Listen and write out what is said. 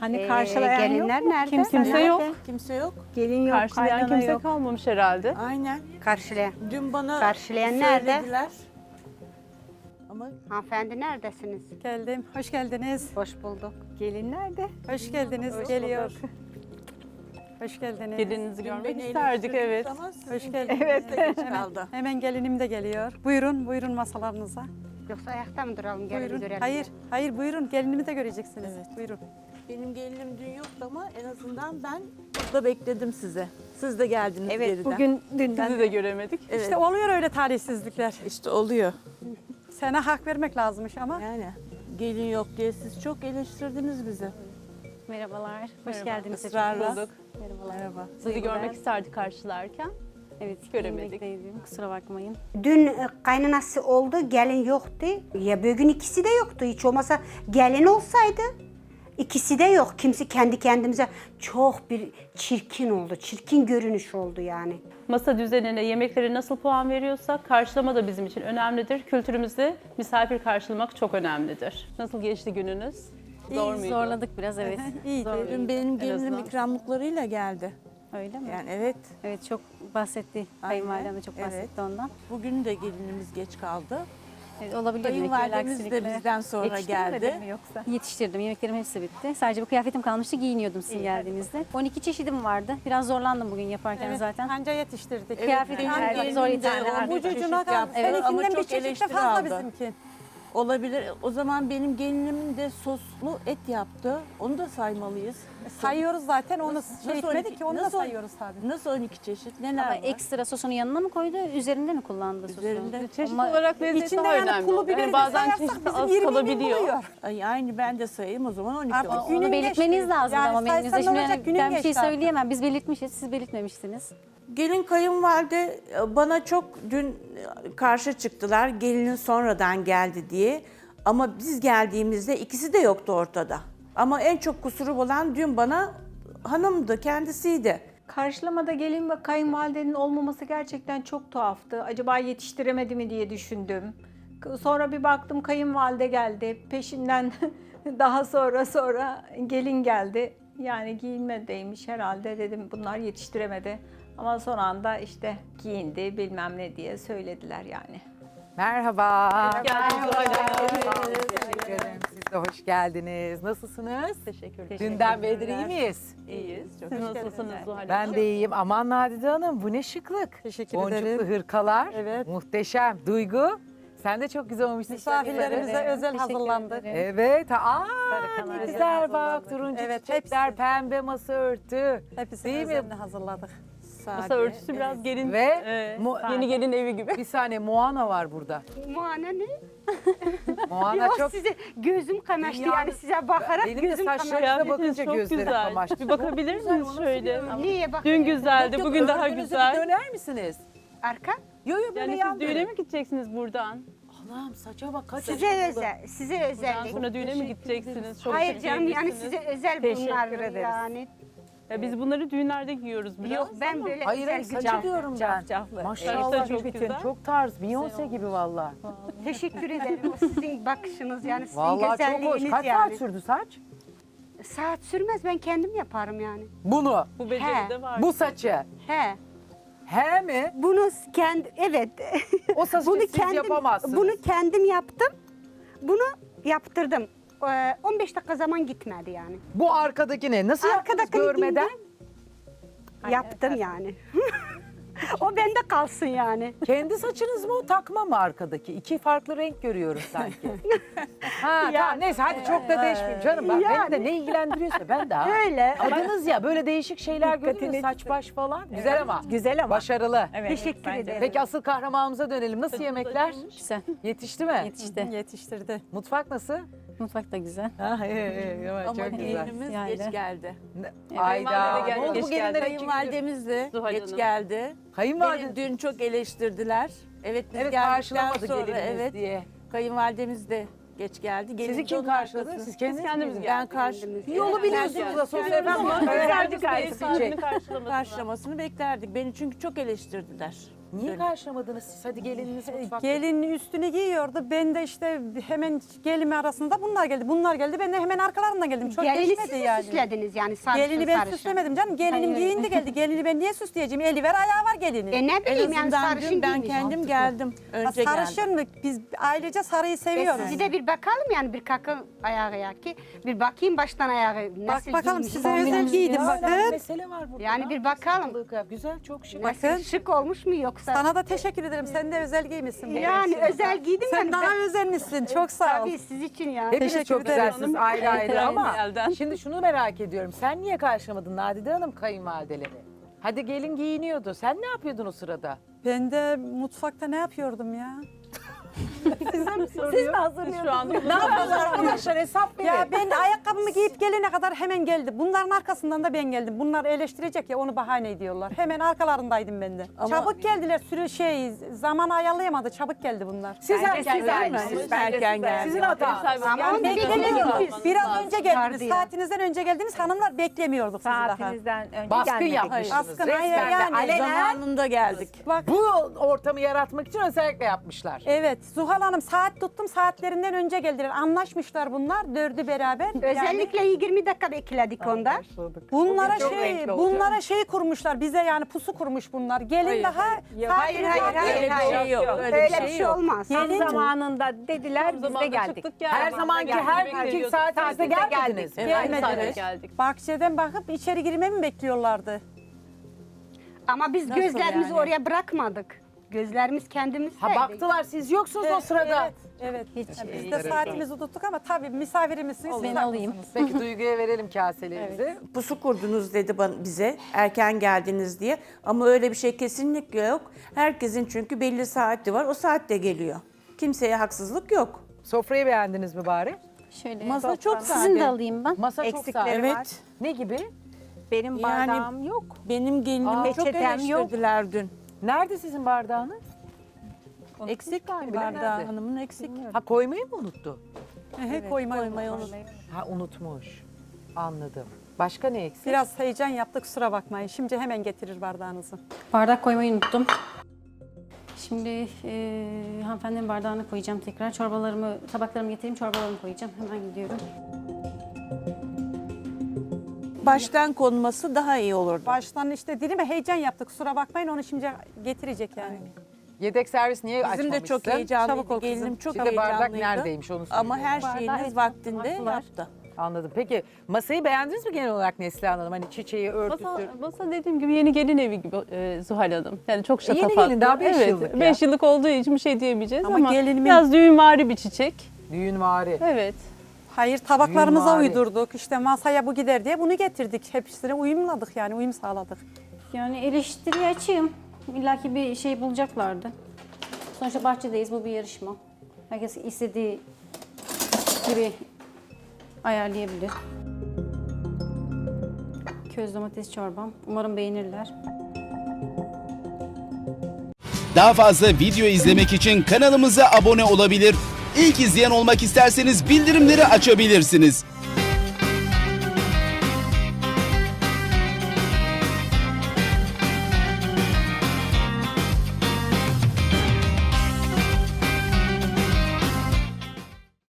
Hani karşılayan gelinler yok mu? nerede? Kimse yok. Kimse yok. Gelin yok, Karşılayan kaynana kimse yok. kalmamış herhalde. Aynen. Karşılayan. Dün bana Karşılayan nerede? söylediler. Ama Hanımefendi neredesiniz? Geldim. Hoş geldiniz. Hoş bulduk. Gelin nerede? Hoş geldiniz. Geliyor. Hoş geldiniz. Gelininizi dün görmek beni isterdik, eleştirdiniz evet. ama sizin Hoş geldiniz. geliniz de geç kaldı. Hemen gelinim de geliyor. Buyurun, buyurun masalarınıza. Yoksa ayakta mı duralım? Gelin Buyurun. görelim. Hayır, hayır buyurun. Gelinimi de göreceksiniz. Evet. Buyurun. Benim gelinim dün yoktu ama en azından ben burada bekledim sizi. Siz de geldiniz Evet, geriden. bugün dünden. Sizi de göremedik. Evet. İşte oluyor öyle talihsizlikler. İşte oluyor. Sana hak vermek lazımmış ama. Yani gelin yok diye siz çok eleştirdiniz bizi. Merhabalar, hoş Merhaba. geldiniz. Israrla. Bulduk. Merhabalar. Merhaba. Sizi görmek isterdik karşılarken. Evet, Göremedik. yemekteydim, kusura bakmayın. Dün kaynanası oldu, gelin yoktu. Ya bugün ikisi de yoktu. Hiç olmasa gelin olsaydı ikisi de yok. Kimse kendi kendimize çok bir çirkin oldu. Çirkin görünüş oldu yani. Masa düzenine, yemeklere nasıl puan veriyorsak karşılama da bizim için önemlidir. Kültürümüzde misafir karşılamak çok önemlidir. Nasıl geçti gününüz? Zor muydu? Zorladık biraz, evet. İyiydi. Zor. Dün benim En gelinim azından. ikramlıklarıyla geldi. Öyle mi? Yani evet. Evet, çok bahsetti. Kayınvalidem de çok Evet. bahsetti ondan. Bugün de gelinimiz geç kaldı. Evet, olabilir demek ki, öyle Kayınvalidemiz de aksilikler. bizden sonra geldi. mi yoksa? Yetiştirdim, yemeklerim hepsi bitti. Sadece bu kıyafetim kalmıştı, giyiniyordum sizin geldiğinizde. 12 çeşidim vardı. Biraz zorlandım bugün yaparken Evet, zaten. anca yetiştirdik. Kıyafetim benim her gelinim zor de yetiştirdim. o Bu bir çeşit cucuna kaldı. yaptı Evet, ama Seninkinden bir çok çeşit de eleştiri fazla aldı. bizimki. Olabilir. O zaman benim gelinimin de soslu et yaptı. Onu da saymalıyız. Sayıyoruz zaten. Onu Nasıl şey etmedik 12 ki onu da nasıl- sayıyoruz tabii. Nasıl 12 çeşit? Neler Ama var? ekstra sosunu yanına mı koydu, üzerinde mi kullandı sosu? Üzerinde. Çeşit Ama olarak lezzet İçinde daha yani önemli. pulu oluyor. biberi Yani de bazen sayarsak çeşit bizim az 20 bin kalabiliyor. buluyor. Ay, aynı ben de sayayım o zaman 12 Artık olsun. günün Onu belirtmeniz geçti. lazım Yani ama menünüzde. saysan Şimdi olacak, yani günün ben bir şey geçti artık. söyleyemem. Biz belirtmişiz, siz belirtmemişsiniz. Gelin kayınvalide bana çok dün karşı çıktılar. Gelinin sonradan geldi diye. Ama biz geldiğimizde ikisi de yoktu ortada. Ama en çok kusuru olan dün bana hanımdı, kendisiydi. Karşılamada gelin ve kayınvalidenin olmaması gerçekten çok tuhaftı. Acaba yetiştiremedi mi diye düşündüm. Sonra bir baktım kayınvalide geldi. Peşinden daha sonra gelin geldi. Yani giyinmedeymiş herhalde dedim bunlar yetiştiremedi. Ama son anda işte giyindi bilmem ne diye söylediler yani. Merhaba. Geldiniz. Teşekkür ederim. Siz de hoş geldiniz. Nasılsınız? Teşekkür ederim. Dünden beridir iyi miyiz? İyiyiz. Siz nasılsınız Zuhal Hanım? Ben de iyiyim. Aman Nadide Hanım bu ne şıklık. Teşekkür Boncuklu ederim. hırkalar. Evet. Muhteşem. Duygu. Sen de çok güzel olmuşsun. Misafirlerimize özel hazırlandı. Evet. Aa, kanal. ne Özel güzel bak. hazırlandı. Turuncu Evet, çiçekler, hepsi. pembe masa örtü. Hepsini Değil mi? özenle hazırladık. Masa örtüsü biraz gelin, Ve yeni gelin evi gibi. bir saniye Moana var burada. Muana ne? Moana Yok çok... size gözüm kamaştı Dünyanın- yani size bakarak Benim de gözüm kamaştı. saçlarınıza bakınca çok gözlerim güzel. kamaştı. Bir bakabilir misiniz şöyle? Niye bak? Dün güzeldi, Yok, bugün daha örgünüzü bir güzel. döner misiniz? Arka? Yo yo böyle Yani yan siz düğüne dönün. mi gideceksiniz buradan? Allah'ım saça bak kaç Size yaşında. özel, size Buradan özellik. sonra düğüne mi gideceksiniz? Çok Hayır şık canım yani giyinmişsiniz. size özel Teşekkür bunlar ederiz. yani. Ya biz bunları düğünlerde giyiyoruz biraz. Yok ben böyle Hayır özel hayır saçı güzel. diyorum ben. Cafcaflı. Maşallah Saçta çok çok, güzel. çok tarz. Beyoncé gibi valla. Teşekkür ederim. O sizin bakışınız yani sizin Valla çok hoş. güzelliğiniz Kaç yani. saat sürdü saç? Saat sürmez ben kendim yaparım yani. Bunu. Bu beceri de var. Bu saçı. He. He mi? Bunu kendi evet. O saçı siz yapamazsınız. Bunu kendim yaptım. Bunu yaptırdım. 15 dakika zaman gitmedi yani. Bu arkadaki ne? Nasıl yaptınız Arkadakini görmeden? Yaptım yani. O bende kalsın yani. Kendi saçınız mı o takma mı arkadaki? İki farklı renk görüyorum sanki. Ha tamam neyse hadi çok da değişmeyeyim canım. Bak beni de ne ilgilendiriyorsa ben de ha. Öyle. Adınız ya böyle değişik şeyler görüyoruz. Dikkatini Saç baş falan. Güzel ama. Güzel ama. Başarılı. Evet, Teşekkür bence de. ederim. Peki asıl kahramanımıza dönelim. Nasıl yemekler? Güzel, Yetişti mi? yetişti. Yetiştirdi. Mutfak nasıl? Mutfak da güzel. Ha, iyi, Ama çok güzel. gelinimiz Yani. geç geldi. Ayda. Kayınvalide Ne oldu geç bu gelinlere geldi. iki gündür? Kayınvalidemiz de Zuhal geç Hanım. geldi. Kayınvalide. Beni dün çok eleştirdiler. Evet biz Evet geldikten karşılamadı sonra gelininiz evet diye. kayınvalidemiz de geç geldi. Gelin Sizi de kim onun karşıladı? arkasında. Siz kendiniz kendimiz mi? Ben karşı Bir yolu biliyorsunuz da sosyal efendim. Ama Öğrendik ev ayrıca. sahibini karşılamasına. karşılamasını beklerdik. Beni çünkü çok eleştirdiler. Niye karşılamadınız siz? Hadi gelininiz mutfakta. Gelin üstünü giyiyordu. Ben de işte hemen gelin arasında bunlar geldi. Bunlar geldi. Ben de hemen arkalarından geldim. Çok Gelini geçmedi siz mi yani. süslediniz yani sarışın Gelini ben sarışın. süslemedim canım. Gelinim giyindi geldi. Gelini ben niye süsleyeceğim? Eli ver ayağı var gelinin. Ne En bileyim yani azından sarışın dün ben giymiş. kendim geldim. Önce Sarışın geldim. mı? Biz ailece sarıyı seviyoruz. Sizi de bir bakalım yani bir kakı ayağı ki. Bir bakayım baştan ayağı nasıl bakalım giymiş. size özel giydim Ya, öyle bir bakın. mesele var burada. Yani bir bakalım. Güzel, çok şık. Bakın. Şık olmuş mu yoksa? Sana da teşekkür ederim. Sen de özel giymişsin. Yani özel giydim Sen yani. daha özenmişsin. Çok sağ ol. Tabii siz için ya. Hepiniz Teşekkür çok ederim. güzelsiniz ayrı ayrı ama Elden. şimdi şunu merak ediyorum. Sen niye karşılamadın Nadide Hanım kayınvalideleri? Hadi gelin giyiniyordu. Sen ne yapıyordun o sırada? Ben de mutfakta ne yapıyordum ya? Şu anda Ne yapıyorlar arkadaşlar hesap verin. Ya ben ayakkabımı giyip gelene kadar hemen geldi. Bunların arkasından da ben geldim. Bunlar eleştirecek ya onu bahane ediyorlar. Hemen arkalarındaydım ben de. Çabuk geldiler. Zaman ayarlayamadı. Çabuk geldi bunlar. Siz erken Siz geldiniz. erken geldiniz. Sizin hatanız. Ama beklemedik. Biraz önce geldiniz. Vardı ya. Saatinizden önce geldiniz. Hanımlar beklemiyorduk sizi daha. Saatinizden önce Baskın gelmedik. yapmışsınız. Baskın, Resmen hayır, de yani. alenen Zamanında geldik. Bak bu ortamı yaratmak için özellikle yapmışlar. evet Zuhal Hanım saat tuttum saatlerinden önce geldiler. Anlaşmışlar bunlar dördü beraber. Özellikle 20 dakika bekledik onda. Bunlara Çok şey renkli olacak. bunlara şey kurmuşlar bize yani pusu kurmuş bunlar. Gelin daha Hayır Öyle bir şey yok. Öyle bir şey olmaz. Tam zamanında dediler biz de Zamanında geldik. çıktık, geldik. Her zamanki her günkü saatinizde gelmediniz. Evet, aynı Gelmediler. saatte geldik. Bahçeden bakıp içeri girmemi mi bekliyorlardı? Ama biz Nasıl gözlerimizi yani? oraya bırakmadık. Gözlerimiz kendimizdeydi. Ha baktılar siz yoksunuz o sırada. Evet. Biz de saatimizi tuttuk ama tabii misafirimizsiniz. siz Ben de alayım. haklısınız. Peki Duygu'ya verelim kaselerimizi. Pusu kurdunuz dedi bize erken geldiniz diye. Ama öyle bir şey kesinlikle yok. Herkesin çünkü belli saati var. O saatte geliyor. Kimseye haksızlık yok. Sofrayı beğendiniz mi bari? Şöyle. Masa çok Sizin de sade. alayım ben. Masa çok Eksikleri sade. Evet. var. Ne gibi? Benim Yani- bardağım yok. Benim gelinimi çok peçetem yok. eleştirdiler dün. Nerede sizin bardağınız? Eksik galiba, bardağı nerede? hanımın eksik. Ha koymayı mı unuttu? Koymayı unutmuş. Ha unutmuş. Anladım. Başka ne eksik? Biraz heyecan yaptık kusura bakmayın. Şimdi hemen getirir bardağınızı. Bardak koymayı unuttum. Şimdi hanımefendinin bardağını koyacağım tekrar. Tabaklarımı getireyim, çorbalarımı koyacağım. Hemen gidiyorum. Baştan konması daha iyi olurdu. Baştan işte dedim ya heyecan yaptık kusura bakmayın onu şimdi getirecek yani. Yedek servis niye Bizim açmamışsın? de çok Çabuk heyecanlıydı. ol kızım. Gelinim çok Şimdi bardak heyecanlıydı. neredeymiş onu Ama söyleyeyim. her şeyiniz vaktinde yaptı. Anladım. Peki masayı beğendiniz mi genel olarak Neslihan Hanım? Hani çiçeği, örtüsü. Masa dediğim gibi yeni gelin evi gibi Zuhal Hanım. Yani çok şatafatlı. gelin, daha 5 evet, yıllık ya. 5 yıllık olduğu için bir şey diyemeyeceğiz Ama ama, gelinimin- biraz düğünvari bir çiçek. Düğünvari. Evet. Hayır tabaklarımıza Mimari. uydurduk işte masaya bu gider diye bunu getirdik. Hepsine uyumladık yani uyum sağladık. Yani eleştiriye açığım. İlla ki bir şey bulacaklardı. Sonuçta bahçedeyiz, bu bir yarışma. Herkes istediği gibi ayarlayabilir. Köz domates çorbam. Umarım beğenirler. Daha fazla video izlemek için kanalımıza abone olabilir. İlk izleyen olmak isterseniz bildirimleri açabilirsiniz.